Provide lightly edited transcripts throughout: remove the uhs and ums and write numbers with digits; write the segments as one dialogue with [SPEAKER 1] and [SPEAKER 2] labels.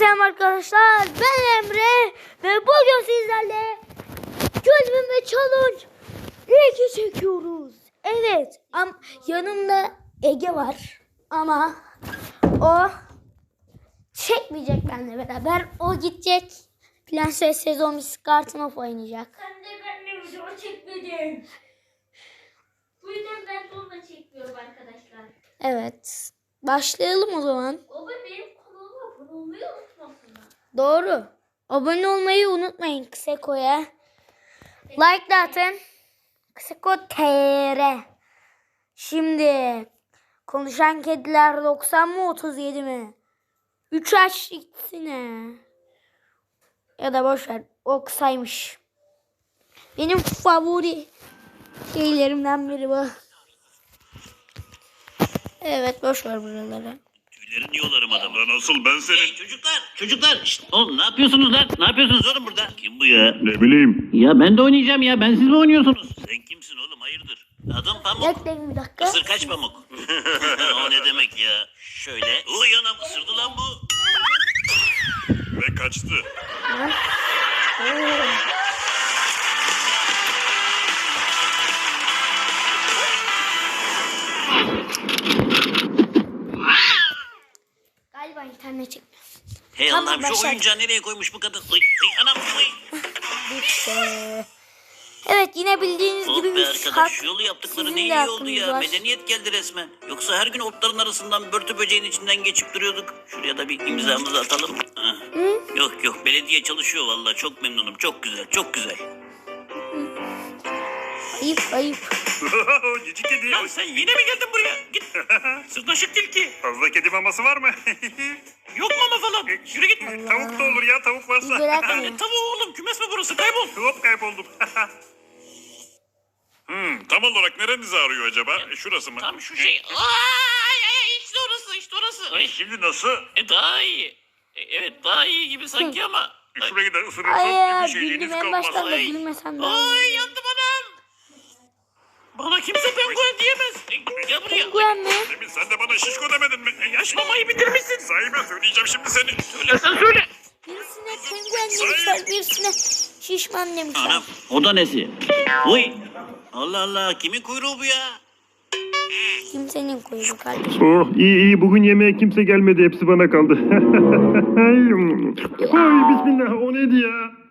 [SPEAKER 1] Selam arkadaşlar, ben Emre ve bugün sizlerle Gözleme Challenge 2 çekiyoruz. Evet, yanımda Ege var ama o çekmeyecek benimle beraber. O gidecek. Prenses sezon kartın of oynayacak.
[SPEAKER 2] Sen de benimle video çekmedin. Bu yüzden ben de onunla çekmiyorum arkadaşlar.
[SPEAKER 1] Evet, başlayalım o zaman.
[SPEAKER 2] Baba benim kanalıma abone olmayı unutmasınlar.
[SPEAKER 1] Doğru. Abone olmayı unutmayın Kseko'ya. Like de atın. Kseko TR. Şimdi konuşan kediler 90 mı 37 mi? 3 aç ikisine. Ya da boş ver. O kısaymış. Benim favori şeylerimden biri bu. Evet, boş ver buraları.
[SPEAKER 3] Tüylerini yolarım adamı. Lan asıl ben senin...
[SPEAKER 4] Hey çocuklar. Şşt, oğlum ne yapıyorsunuz lan? Ne yapıyorsunuz oğlum burada?
[SPEAKER 3] Kim bu ya? Ne bileyim.
[SPEAKER 4] Ya ben de oynayacağım ya. Ben siz mi oynuyorsunuz?
[SPEAKER 3] Sen kimsin oğlum hayırdır?
[SPEAKER 4] Adım Pamuk.
[SPEAKER 1] Bekleyin bir dakika.
[SPEAKER 4] Isır kaç Pamuk.
[SPEAKER 3] O ne demek ya?
[SPEAKER 4] Şöyle. Uy anam ısırdı lan bu.
[SPEAKER 3] Ve kaçtı.
[SPEAKER 1] Galiba internet çekmiyor.
[SPEAKER 4] Hey
[SPEAKER 1] Tamam,
[SPEAKER 4] Allah'ım şu
[SPEAKER 1] başladık.
[SPEAKER 4] oyuncağı nereye koymuş bu kadın? Uy anam uy.
[SPEAKER 1] Bitti. Evet, yine bildiğiniz
[SPEAKER 4] Oh
[SPEAKER 1] gibi
[SPEAKER 4] be
[SPEAKER 1] bir
[SPEAKER 4] arkadaş yolu yaptıkları
[SPEAKER 1] sizin
[SPEAKER 4] ne
[SPEAKER 1] de
[SPEAKER 4] iyi oldu
[SPEAKER 1] hakkınız
[SPEAKER 4] ya.
[SPEAKER 1] var.
[SPEAKER 4] Medeniyet geldi resmen. Yoksa her gün otların arasından börtü böceğin içinden geçip duruyorduk. Şuraya da bir imzamızı atalım. Heh. Yok belediye çalışıyor vallahi çok memnunum. Çok güzel çok güzel.
[SPEAKER 1] Ayıp.
[SPEAKER 3] Cici kedi.
[SPEAKER 4] Lan sen yine mi geldin buraya? Git. Sırnaşık tilki.
[SPEAKER 3] Fazla kedi maması var mı?
[SPEAKER 4] Yok mama falan. Yürü git.
[SPEAKER 3] Tavuk da olur ya tavuk varsa.
[SPEAKER 1] Bırakmayın.
[SPEAKER 4] Tavuğu oğlum kümes mi burası kaybol.
[SPEAKER 3] Hop kayboldum. Tam olarak nerenizi ağrıyor acaba? Şurası mı?
[SPEAKER 4] Tam şu şey. Ay işte orası. Ay,
[SPEAKER 3] Şimdi nasıl?
[SPEAKER 4] daha iyi. Evet daha iyi gibi sanki ama.
[SPEAKER 3] Şurayı da ısırırsan
[SPEAKER 1] Ay,
[SPEAKER 3] bir şeyliğiniz
[SPEAKER 1] güldüm en
[SPEAKER 3] kalmaz.
[SPEAKER 1] baştan da
[SPEAKER 4] Ay.
[SPEAKER 1] gülmesem de.
[SPEAKER 4] Ay yandım anam. Bana kimse penguen diyemez. Gel buraya.
[SPEAKER 1] Penguen mi?
[SPEAKER 3] Demin sen de bana şişko demedin mi?
[SPEAKER 4] Yaş mamayı bitirmişsin.
[SPEAKER 3] Sahibe söyleyeceğim şimdi seni.
[SPEAKER 4] Sen söyle.
[SPEAKER 1] Birisine penguen demişler, birisine şişman demişler.
[SPEAKER 4] Anam o da nesi? Uy. Allah Allah kimin kuyruğu bu ya?
[SPEAKER 1] Kimsenin kuyruğu kardeşim.
[SPEAKER 5] Oh iyi bugün yemeğe kimse gelmedi hepsi bana kaldı. Ay bismillah o neydi ya?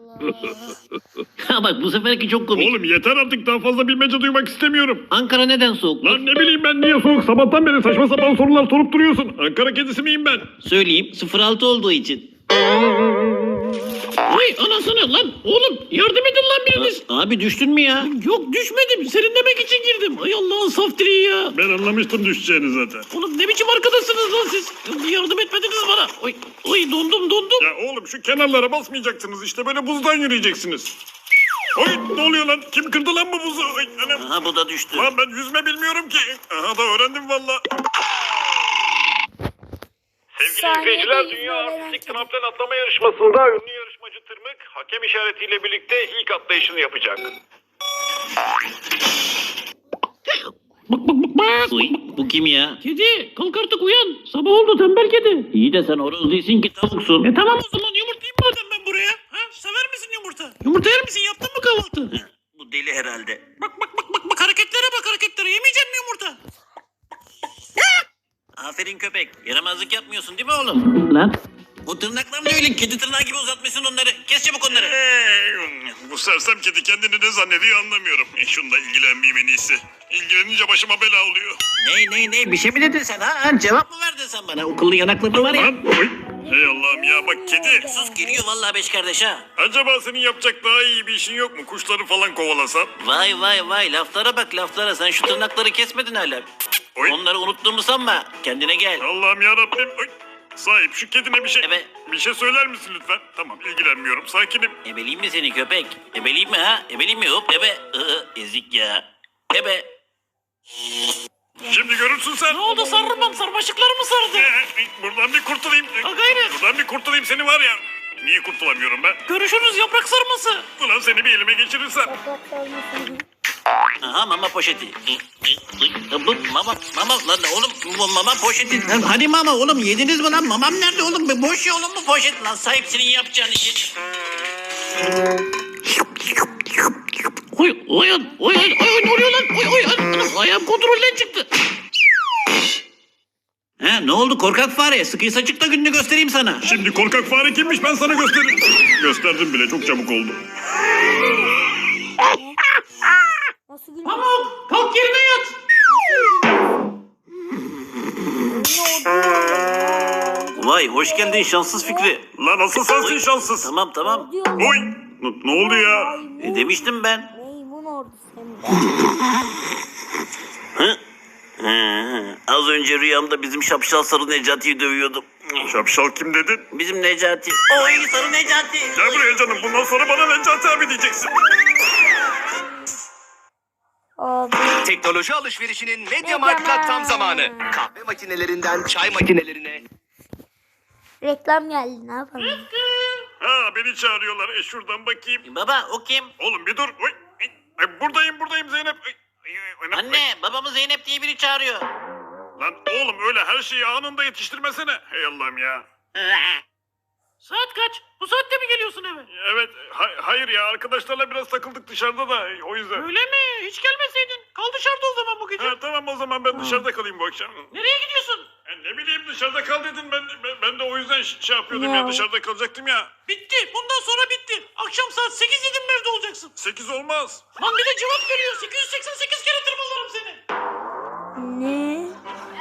[SPEAKER 4] Ha bak bu seferki çok komik.
[SPEAKER 5] Oğlum yeter artık daha fazla bilmece duymak istemiyorum.
[SPEAKER 4] Ankara neden soğuk?
[SPEAKER 5] Lan ne bileyim ben niye soğuk sabahtan beri saçma sapan sorular sorup duruyorsun. Ankara kedisi miyim ben?
[SPEAKER 4] Söyleyeyim 06 olduğu için. Vay anasını lan oğlum yardım edin lan biriniz. Abi düştün mü ya? Yok düşmedim serinlemek için girdim. Ay Allah'ın saf direği ya.
[SPEAKER 5] Ben anlamıştım düşeceğini zaten.
[SPEAKER 4] Oğlum ne biçim arkadaşsınız lan siz? Bir yardım etmediniz bana. Oy dondum.
[SPEAKER 5] Ya oğlum şu kenarlara basmayacaksınız işte böyle buzdan yürüyeceksiniz. Oy ne oluyor lan? Kim kırdı lan bu buzu? Ay, anam.
[SPEAKER 4] Aha bu da düştü.
[SPEAKER 5] Lan ben yüzme bilmiyorum ki. Aha da öğrendim valla. Sevgili
[SPEAKER 1] Saniyede
[SPEAKER 5] izleyiciler,
[SPEAKER 1] yüzme
[SPEAKER 5] Dünya
[SPEAKER 1] öğrenen
[SPEAKER 5] Artistik
[SPEAKER 1] kedi.
[SPEAKER 5] Tramplen atlama yarışmasında ünlü yarışmacı Tırmık hakem işaretiyle birlikte ilk atlayışını yapacak.
[SPEAKER 4] Bak. Uy, bu kim ya? Kedi kalk artık uyan. Sabah oldu tembel kedi. İyi de sen horoz değilsin ki tavuksun. Tamam o zaman yumurtayım madem ben buraya. Ha? Sever misin yumurta? Yumurta yer misin? Yaptın mı kahvaltı? Bu deli herhalde. Bak hareketlere yemeyecek mi yumurta? Aferin köpek. Yaramazlık yapmıyorsun değil mi oğlum? Lan. O tırnaklar ne öyle? Kedi tırnağı gibi uzatmışsın onları. Kes çabuk onları.
[SPEAKER 3] Bu sersem kedi kendini ne zannediyor anlamıyorum. Şununla ilgilenmeyeyim en iyisi. İlgilenince başıma bela oluyor.
[SPEAKER 4] Ne? Bir şey mi dedin sen ha? Cevap mı verdin sen bana? Okullu yanakları var ya.
[SPEAKER 3] Lan oy. Hey Allah'ım ya bak kedi.
[SPEAKER 4] Sus geliyor vallahi beş kardeş ha.
[SPEAKER 3] Acaba senin yapacak daha iyi bir işin yok mu? Kuşları falan kovalasan.
[SPEAKER 4] Vay laflara bak laflara. Sen şu tırnakları kesmedin hala.
[SPEAKER 3] Oy.
[SPEAKER 4] Onları unuttuğumu sanma. Kendine gel.
[SPEAKER 3] Allah'ım ya Rabbim. Sahip şu kedine bir şey
[SPEAKER 4] Ebe.
[SPEAKER 3] bir şey söyler misin lütfen? Tamam ilgilenmiyorum. Sakinim.
[SPEAKER 4] Ebeleyim mi seni köpek? Ebeleyim mi ha? Ebeleyim mi? Hop ebe. Ezik ya. Ebe.
[SPEAKER 3] Şimdi görürsün sen.
[SPEAKER 4] Ne oldu sarılmam? Sarmaşıklar mı sardı?
[SPEAKER 3] Buradan bir kurtulayım.
[SPEAKER 4] Ha gayret.
[SPEAKER 3] Buradan bir kurtulayım seni var ya. Niye kurtulamıyorum ben?
[SPEAKER 4] Görüşürüz yaprak sarması.
[SPEAKER 3] Ulan seni bir elime geçirirsem.
[SPEAKER 1] Yaprak sarması.
[SPEAKER 4] Aha mama poşeti. Bu mama lan oğlum bu mama poşeti. Hadi mama oğlum yediniz mi lan? Mamam nerede oğlum? Boş ya oğlum bu poşet lan. Sahipsinin yapacağın işi. Oy ne oluyor lan? Anam, ayağım kontrolden çıktı. He ne oldu korkak fare? Sıkıysa çık da gününü göstereyim sana.
[SPEAKER 5] Şimdi korkak fare kimmiş ben sana gösteririm. Gösterdim bile çok çabuk oldu.
[SPEAKER 1] Nasıl gülüyor?
[SPEAKER 4] Pamuk kalk yerine yat. Vay hoş geldin şanssız Fikri.
[SPEAKER 5] Lan asıl sensin şanssız.
[SPEAKER 4] Tamam.
[SPEAKER 5] Oy ne oldu ya?
[SPEAKER 4] Demiştim ben.
[SPEAKER 1] Maymun ordusu hem de.
[SPEAKER 4] Az önce rüyamda bizim şapşal sarı Necati'yi dövüyordum.
[SPEAKER 5] Şapşal kim dedin?
[SPEAKER 4] Bizim Necati. Oy sarı Necati.
[SPEAKER 5] Gel buraya canım bundan sonra bana Necati abi diyeceksin.
[SPEAKER 1] Abi.
[SPEAKER 6] Teknoloji alışverişinin MediaMarkt'ta tam zamanı. Kahve makinelerinden çay makinelerine.
[SPEAKER 1] Reklam geldi ne yapalım?
[SPEAKER 5] Ha beni çağırıyorlar. Şuradan bakayım.
[SPEAKER 4] Baba o kim?
[SPEAKER 5] Oğlum bir dur. Oy, buradayım Zeynep.
[SPEAKER 4] Anne babamı Zeynep diye biri çağırıyor.
[SPEAKER 5] Lan oğlum öyle her şeyi anında yetiştirmesene. Hey Allah'ım ya.
[SPEAKER 4] Saat kaç? Bu saatte mi geliyorsun eve?
[SPEAKER 5] Evet hayır ya arkadaşlarla biraz takıldık dışarıda da o yüzden.
[SPEAKER 4] Öyle mi? Hiç gelmeseydin. Kal dışarıda o zaman bu gece.
[SPEAKER 5] Ha, tamam o zaman ben dışarıda kalayım bu akşam.
[SPEAKER 4] Nereye gidiyorsun?
[SPEAKER 5] Ne bileyim dışarıda kal dedin ben de o yüzden şey yapıyordum ya dışarıda kalacaktım ya.
[SPEAKER 4] Bitti. Bundan sonra bitti. Akşam saat 8 dedim mi evde olacaksın?
[SPEAKER 5] 8 olmaz.
[SPEAKER 4] Lan bir de cevap veriyor. 888 kere tırmalarım seni.
[SPEAKER 1] Ne?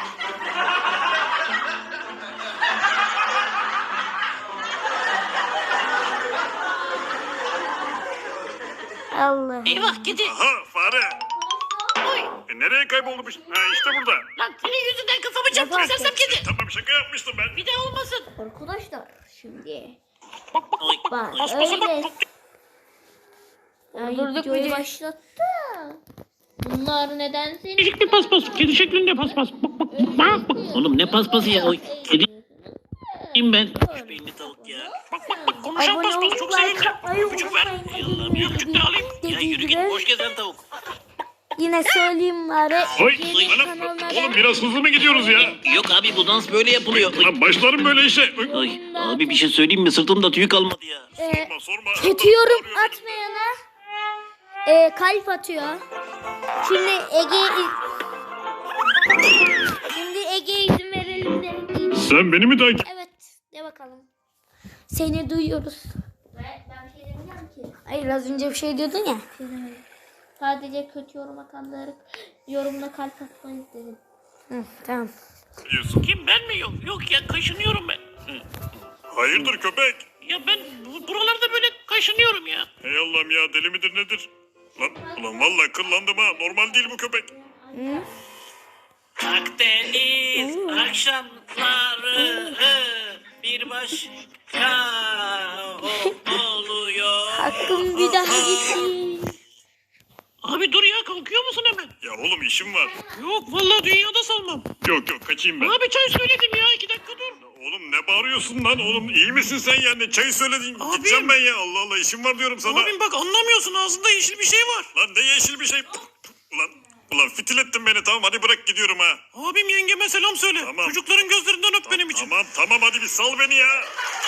[SPEAKER 1] Allah.
[SPEAKER 4] Eyvah kedi.
[SPEAKER 5] Aha fare.
[SPEAKER 4] Oy.
[SPEAKER 5] Nereye kayboldu bu? Ha işte burada.
[SPEAKER 4] Lan senin yüzünden kafamı çarptım
[SPEAKER 1] Yapar
[SPEAKER 4] sersem kedi.
[SPEAKER 5] Tamam şaka yapmıştım ben.
[SPEAKER 4] Bir daha olmasın.
[SPEAKER 1] Arkadaşlar şimdi.
[SPEAKER 4] Oy.
[SPEAKER 1] Bak
[SPEAKER 4] Paspasa bak.
[SPEAKER 1] öyle. Ay, videoyu başlattı.
[SPEAKER 2] Bunlar neden seni...
[SPEAKER 4] Değişik bir paspas. Kedi şeklinde paspas. Bak. Oğlum ne paspası ya? Oy. Kedi ben. Şu beyinli tavuk ya. Bak konuşan
[SPEAKER 1] Abone
[SPEAKER 4] paspas
[SPEAKER 1] olup
[SPEAKER 4] çok
[SPEAKER 1] like
[SPEAKER 4] sevindim.
[SPEAKER 1] atmayı
[SPEAKER 4] Öpücük ver.
[SPEAKER 1] unutmayın.
[SPEAKER 4] Ey Allah'ım ya öpücük de alayım. Ya yürü git boş gezen tavuk.
[SPEAKER 1] Yine söyleyeyim bari.
[SPEAKER 5] Oy
[SPEAKER 1] Yeni
[SPEAKER 5] anam
[SPEAKER 1] kanallara-
[SPEAKER 5] oğlum biraz hızlı mı gidiyoruz ya?
[SPEAKER 4] Yok abi bu dans böyle yapılıyor. Oy.
[SPEAKER 5] Lan başlarım böyle işe. Oy.
[SPEAKER 4] Ay, abi bir şey söyleyeyim mi? Sırtımda tüy kalmadı ya.
[SPEAKER 5] Sorma.
[SPEAKER 1] Kötü yorum atmayana kalp atıyor. Şimdi Ege'ye izin verelim de.
[SPEAKER 5] Sen beni mi takip?
[SPEAKER 1] Evet de bakalım. Seni duyuyoruz.
[SPEAKER 2] Ben bir şey demeyeceğim ki.
[SPEAKER 1] Hayır az önce bir şey diyordun ya.
[SPEAKER 2] Sadece kötü yorum atanları yorumla kalp atmayız dedim.
[SPEAKER 1] Hı, tamam.
[SPEAKER 5] Diyorsun.
[SPEAKER 4] Kim ben mi? Yok ya kaşınıyorum ben.
[SPEAKER 5] Hayırdır köpek?
[SPEAKER 4] Ya ben buralarda böyle kaşınıyorum ya.
[SPEAKER 5] Hey Allah'ım ya deli midir nedir? Ulan vallahi kıllandım ha. Normal değil bu köpek.
[SPEAKER 4] Akdeniz akşamları bir başka oluyor.
[SPEAKER 1] Hakkım bir daha gitsin.
[SPEAKER 4] Abi dur ya kalkıyor musun hemen?
[SPEAKER 5] Ya oğlum işim var.
[SPEAKER 4] Yok vallahi dünyada salmam.
[SPEAKER 5] Yok kaçayım ben.
[SPEAKER 4] Abi çay söyledim ya 2 dakika dur.
[SPEAKER 5] Oğlum ne bağırıyorsun lan oğlum iyi misin sen ya ne çayı söyledin
[SPEAKER 4] Abim.
[SPEAKER 5] gideceğim ben ya Allah Allah işim var diyorum sana.
[SPEAKER 4] Abim bak anlamıyorsun ağzında yeşil bir şey var.
[SPEAKER 5] Lan ne yeşil bir şey. Ulan fitil ettin beni tamam hadi bırak gidiyorum ha.
[SPEAKER 4] Abim yengeme selam söyle.
[SPEAKER 5] Tamam.
[SPEAKER 4] Çocukların gözlerinden öp benim için.
[SPEAKER 5] Tamam hadi bir sal beni ya.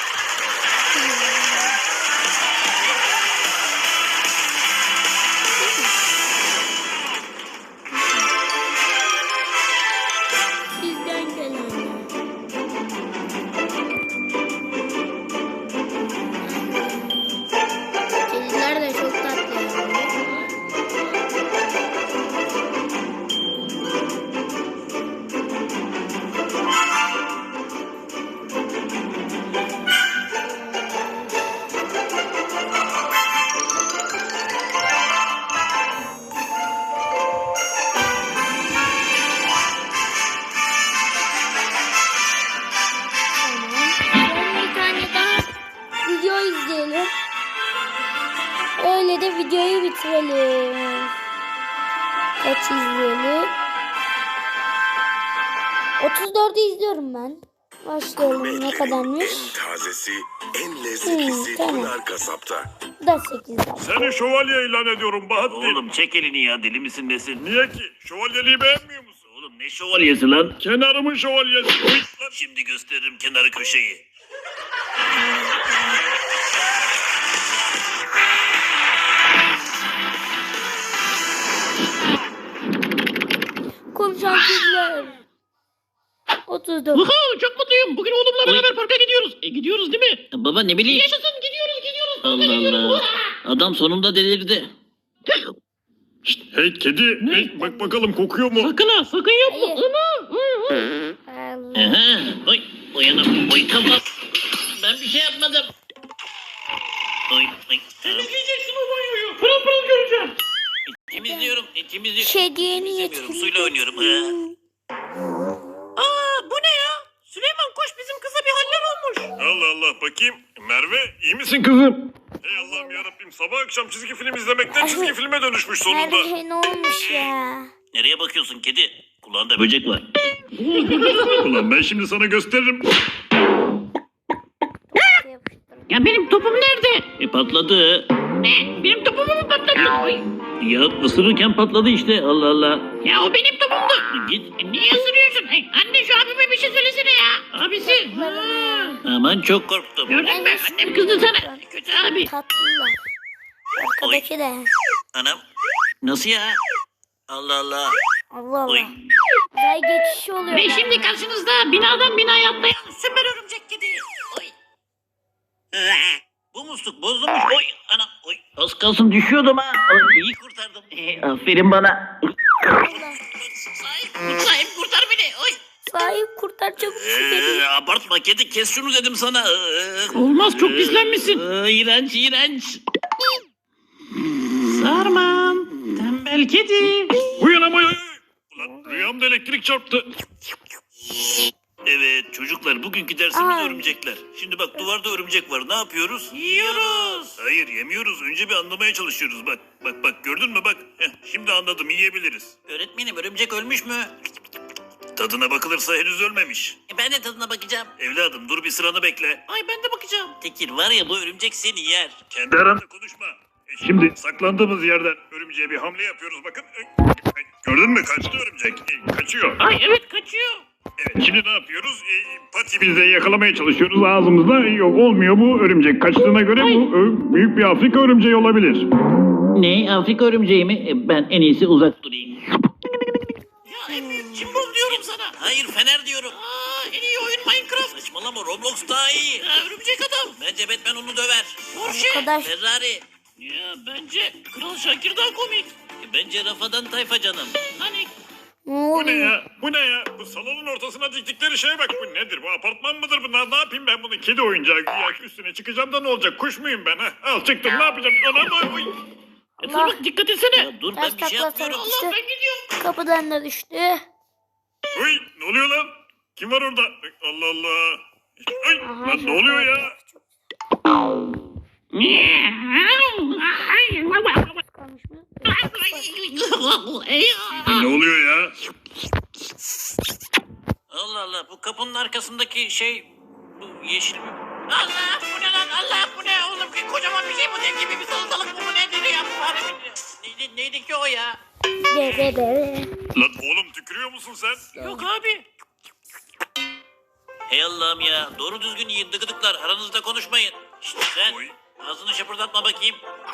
[SPEAKER 1] Sizden gelenler. Kediler de çok tatlı. Bir tane daha video izleyelim. Öyle de videoyu bitirelim. Kaç izleyelim? 34'ü izliyorum ben. Başlayalım. Ne kadarmış?
[SPEAKER 7] En tazesi, en lezzetlisi
[SPEAKER 1] tamam.
[SPEAKER 7] Pınar Kasap'ta.
[SPEAKER 1] Bu da 8 dakika.
[SPEAKER 5] Seni şövalye ilan ediyorum Bahattin.
[SPEAKER 4] Oğlum çek elini ya, deli misin nesin?
[SPEAKER 5] Niye ki? Şövalyeliği beğenmiyor musun?
[SPEAKER 4] Oğlum ne şövalyesi lan?
[SPEAKER 5] Kenarımın şövalyesi. Uy, lan.
[SPEAKER 4] Şimdi gösteririm kenarı köşeyi.
[SPEAKER 1] Konuşan kızlar. 34.
[SPEAKER 4] Vuhu, çok mutluyum. Bugün oğlumla beraber parka gidiyoruz. Gidiyoruz değil mi? Baba ne bileyim. Yaşasın, gidiyoruz. Allah Allah. Adam sonunda delirdi.
[SPEAKER 5] Hey kedi, hey, bak bakalım kokuyor mu?
[SPEAKER 4] Sakın ha, sakın yapma.
[SPEAKER 1] Allah.
[SPEAKER 4] Aha, oy, uyanım, oy kapat. Ben bir şey yapmadım. Oy, oy. Temizleyeceksin o banyoyu. Pırıl pırıl göreceğim. Temizliyorum, temizliyorum.
[SPEAKER 1] Kediye
[SPEAKER 4] Temizlemiyorum, suyla oynuyorum. Aa, bu ne ya? Süleyman koş, bizim kıza bir haller olmuş.
[SPEAKER 5] Allah Allah, bakayım. Merve, iyi misin kızım? Hey Allah'ım yarabbim, sabah akşam çizgi film izlemekten çizgi filme dönüşmüş sonunda.
[SPEAKER 1] Nerede ne olmuş ya?
[SPEAKER 4] Nereye bakıyorsun kedi? Kulağında böcek var.
[SPEAKER 5] Ulan ben şimdi sana gösteririm.
[SPEAKER 4] Ya benim topum nerede? Patladı. Ne? Benim topumu mu patladı? Ay. Ya ısırırken patladı işte, Allah Allah. Ya o benim topumdu. Git. Niye ısırıyorsun? Ay, anne şu abime bir şey söylesene ya. Abisi. Aman çok korktum. Gördün mü? Annem kızdı sana. Kötü abi.
[SPEAKER 1] Tatlılar. Arkadaki de.
[SPEAKER 4] Anam. Nasıl ya? Allah Allah.
[SPEAKER 1] Allah
[SPEAKER 4] Oy.
[SPEAKER 1] Allah. Uzay geçişi oluyor.
[SPEAKER 4] Ve şimdi karşınızda binadan binaya atlayan süper örümcek kedi. Oy. Bu musluk bozulmuş. Oy anam. Oy. Az kalsın düşüyordum ha. Oy, iyi kurtardım. Aferin bana. Sahip kurtar beni. Oy.
[SPEAKER 1] Sahip kurtar çabuk şu kediyi.
[SPEAKER 4] Abartma kedi, kes şunu dedim sana. Olmaz, çok pislenmişsin. İğrenç iğrenç. Sarmam. Tembel kedi.
[SPEAKER 5] Uyanamayın. Ulan rüyamda elektrik çarptı.
[SPEAKER 4] Evet çocuklar, bugünkü dersimiz
[SPEAKER 1] Ay.
[SPEAKER 4] örümcekler. Şimdi bak, duvarda örümcek var, ne yapıyoruz? Yiyoruz. Hayır, yemiyoruz, önce bir anlamaya çalışıyoruz. Bak bak bak, gördün mü bak. Şimdi anladım, yiyebiliriz. Öğretmenim, örümcek ölmüş mü? Tadına bakılırsa henüz ölmemiş. Ben de tadına bakacağım. Evladım dur, bir sıranı bekle. Ay ben de bakacağım. Tekir var ya, bu örümcek seni yer.
[SPEAKER 5] Kendi aranda konuşma. Şimdi saklandığımız yerden örümceğe bir hamle yapıyoruz bakın. Gördün mü, kaçtı örümcek. Kaçıyor.
[SPEAKER 4] Ay evet, kaçıyor.
[SPEAKER 5] Evet, şimdi ne yapıyoruz? Patimizle yakalamaya çalışıyoruz ağzımızda. Yok, olmuyor bu örümcek. Kaçtığına göre bu büyük bir Afrika örümceği olabilir.
[SPEAKER 4] Ne, Afrika örümceği mi? Ben en iyisi uzak durayım. Ya en büyük cimbom diyorum sana. Hayır, Fener diyorum. En iyi oyun Minecraft. Saçmalama, Roblox daha iyi. Örümcek adam. Bence Batman onu döver. Porsche,
[SPEAKER 1] Arkadaş.
[SPEAKER 4] Ferrari. Ya bence Kral Şakir daha komik. Bence Rafadan Tayfa canım. Hani
[SPEAKER 1] Ne
[SPEAKER 5] Bu ne
[SPEAKER 1] oluyor?
[SPEAKER 5] ya? Bu ne ya? Bu salonun ortasına diktikleri şeye bak. Bu nedir? Bu apartman mıdır bu? Ne yapayım ben bunu? Kedi oyuncağı güya, üstüne çıkacağım da ne olacak? Kuş muyum ben ha? Al çıktım, ne yapacağım? Anam, oy.
[SPEAKER 1] Allah.
[SPEAKER 4] dikkat etsene. Ya dur,
[SPEAKER 1] Ters
[SPEAKER 4] ben bir şey
[SPEAKER 1] takla
[SPEAKER 4] yapmıyorum.
[SPEAKER 1] sarıp işte.
[SPEAKER 4] Allah, ben gidiyorum.
[SPEAKER 1] Kapıdan da düştü.
[SPEAKER 5] Uy, ne oluyor lan? Kim var orada? Allah Allah. Ay,
[SPEAKER 1] Aha,
[SPEAKER 5] lan ne oluyor ya?
[SPEAKER 1] Kalmış mı?
[SPEAKER 5] Ne oluyor ya?
[SPEAKER 4] Allah Allah, bu kapının arkasındaki şey, bu yeşil bir... Allah, bu ne lan? Allah, bu ne oğlum? Kocaman bir şey, bu dev gibi bir salatalık, bu nedir ya? Bu harbi neydi ki o ya?
[SPEAKER 1] Be.
[SPEAKER 5] Lan oğlum, tükürüyor musun sen?
[SPEAKER 4] Yok abi. Hey Allah'ım ya, doğru düzgün yiyin dıgıdıklar, aranızda konuşmayın. Şşt sen,
[SPEAKER 5] Oy.
[SPEAKER 4] ağzını şapırdatma bakayım.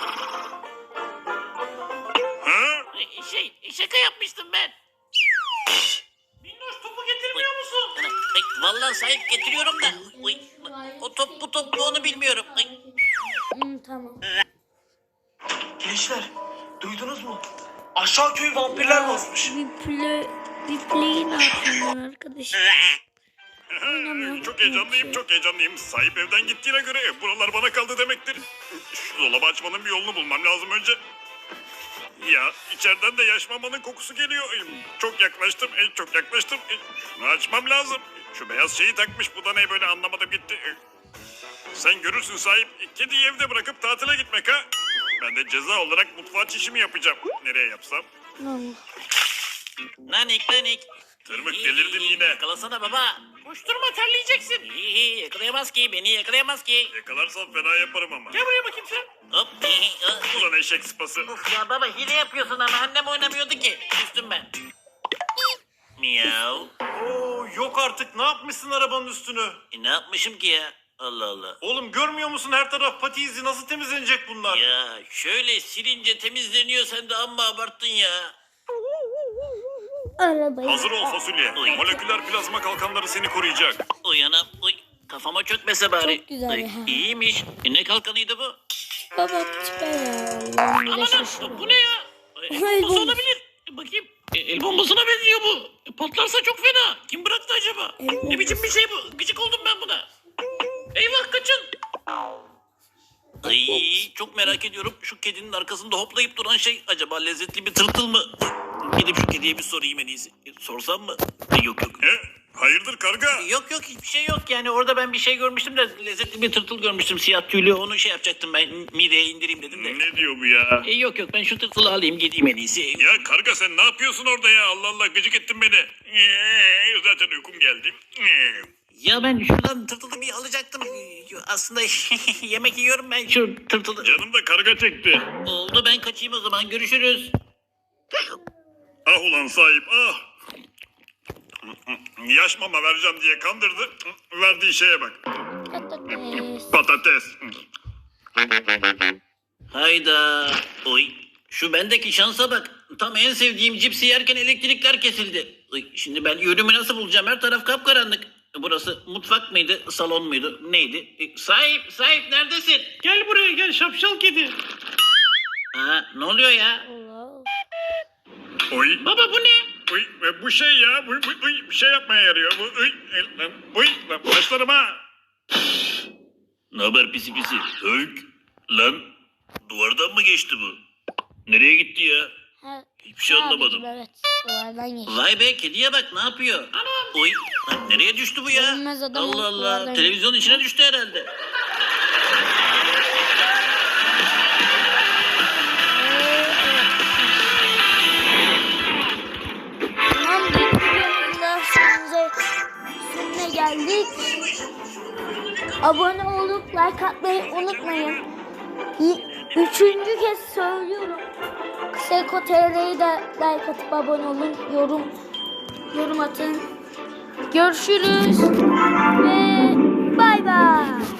[SPEAKER 5] Ha?
[SPEAKER 4] Şaka yapmıştım ben. Minnoş, topu getirmiyor musun? Vallahi sahip getiriyorum da. Uy, o top bu top mu onu bilmiyorum. Ay.
[SPEAKER 1] Tamam.
[SPEAKER 8] Gençler, duydunuz mu? Aşağı köyü vampirler basmış.
[SPEAKER 1] Bir play ne yapıyorlar arkadaşım?
[SPEAKER 5] Çok heyecanlıyım, çok heyecanlıyım. Sahip evden gittiğine göre buralar bana kaldı demektir. Şu dolabı açmanın bir yolunu bulmam lazım önce. Ya içeriden de yaş mamanın kokusu geliyor. Çok yaklaştım, çok yaklaştım. Şunu açmam lazım. Şu beyaz şeyi takmış, bu da ne böyle, anlamadım gitti. Sen görürsün sahip. Kediyi evde bırakıp tatile gitmek ha. Ben de ceza olarak mutfağa çişimi yapacağım. Nereye yapsam?
[SPEAKER 1] Allah.
[SPEAKER 4] Nanik.
[SPEAKER 5] Tırmık, delirdin yine.
[SPEAKER 4] Yakalasana baba. Koşturma terleyeceksin. Yakalayamaz ki beni yakalayamaz ki.
[SPEAKER 5] Yakalarsam fena yaparım ama.
[SPEAKER 4] Gel buraya bakayım sen. Hop.
[SPEAKER 5] Ulan eşek sıpası.
[SPEAKER 4] Of ya baba hile yapıyorsun ama annem oynamıyordu ki. Üstüm ben. Miyav.
[SPEAKER 8] Oo yok artık ne yapmışsın arabanın üstünü?
[SPEAKER 4] Ne yapmışım ki ya? Allah Allah.
[SPEAKER 8] Oğlum görmüyor musun her taraf pati izi nasıl temizlenecek bunlar?
[SPEAKER 4] Ya şöyle silince temizleniyor sen de amma abarttın ya.
[SPEAKER 1] Arabayı.
[SPEAKER 5] Hazır ol fasulye.
[SPEAKER 4] Oy.
[SPEAKER 5] Moleküler plazma kalkanları seni koruyacak.
[SPEAKER 4] Uyanam. Uy. Kafama çökmese bari.
[SPEAKER 1] Çok güzel ya.
[SPEAKER 4] İyiymiş. Ne kalkanıydı bu?
[SPEAKER 1] Baba süper ya. Allah'ım,
[SPEAKER 4] Aman
[SPEAKER 1] şaşırdım.
[SPEAKER 4] bu ne ya? El
[SPEAKER 1] El
[SPEAKER 4] bombası
[SPEAKER 1] bombası.
[SPEAKER 4] olabilir. Bakayım. El bombasına benziyor bu. Patlarsa çok fena. Kim bıraktı acaba?
[SPEAKER 1] El
[SPEAKER 4] Ne biçim bir şey bu? Gıcık oldum ben buna. Eyvah kaçın. Ay çok merak ediyorum. Şu kedinin arkasında hoplayıp duran şey acaba lezzetli bir tırtıl mı? Gidip şu kediye bir sorayım en iyisi. Sorsam mı? Yok yok.
[SPEAKER 5] Hayırdır karga?
[SPEAKER 4] Yok yok hiçbir şey yok yani orada ben bir şey görmüştüm de lezzetli bir tırtıl görmüştüm siyah tüylü onu şey yapacaktım ben mideye indireyim dedim de.
[SPEAKER 5] Ne diyor bu ya?
[SPEAKER 4] Yok yok ben şu tırtılı alayım gideyim en iyisi.
[SPEAKER 5] Ya karga sen ne yapıyorsun orada ya? Allah Allah gıcık ettin beni. Zaten uykum geldi.
[SPEAKER 4] Ya ben şuradan tırtılı bir alacaktım. Aslında yemek yiyorum ben şu tırtılı.
[SPEAKER 5] Canım da karga çekti.
[SPEAKER 4] Oldu ben kaçayım o zaman görüşürüz.
[SPEAKER 5] Ah ulan sahip ah. Yaş mama vereceğim diye kandırdı. Verdiği şeye bak.
[SPEAKER 1] Patates.
[SPEAKER 5] Patates.
[SPEAKER 4] Hayda. Oy. Şu bendeki şansa bak. Tam en sevdiğim cipsi yerken elektrikler kesildi. Oy, şimdi ben yönümü nasıl bulacağım? Her taraf kapkaranlık. Burası mutfak mıydı, salon muydu, neydi? Sahip neredesin? Gel buraya gel şapşal kedi. Aa, ne oluyor ya?
[SPEAKER 1] Allah.
[SPEAKER 5] Oy.
[SPEAKER 4] Baba bu ne?
[SPEAKER 5] Uy, bu şey ya. Bir şey yapmaya yarıyor. Lan başlarıma.
[SPEAKER 4] Ne haber pisi pisi? Hök. Lan duvardan mı geçti bu? Nereye gitti ya?
[SPEAKER 1] Ha,
[SPEAKER 4] Hiçbir şey
[SPEAKER 1] abicim,
[SPEAKER 4] anlamadım.
[SPEAKER 1] Evet. Duvardan geçti.
[SPEAKER 4] Vay be kediye bak ne yapıyor? Anam. Oy. Lan nereye düştü bu ya?
[SPEAKER 1] Görünmez adam
[SPEAKER 4] Allah
[SPEAKER 1] oldu,
[SPEAKER 4] Allah.
[SPEAKER 1] duvardan
[SPEAKER 4] Televizyonun içine düştü herhalde.
[SPEAKER 1] Tamam bu videonun da sonuna geldik. Abone olup like atmayı unutmayın. Üçüncü kez söylüyorum. Seko TR'yi de like atıp abone olun. Yorum atın. Görüşürüz ve bay bay.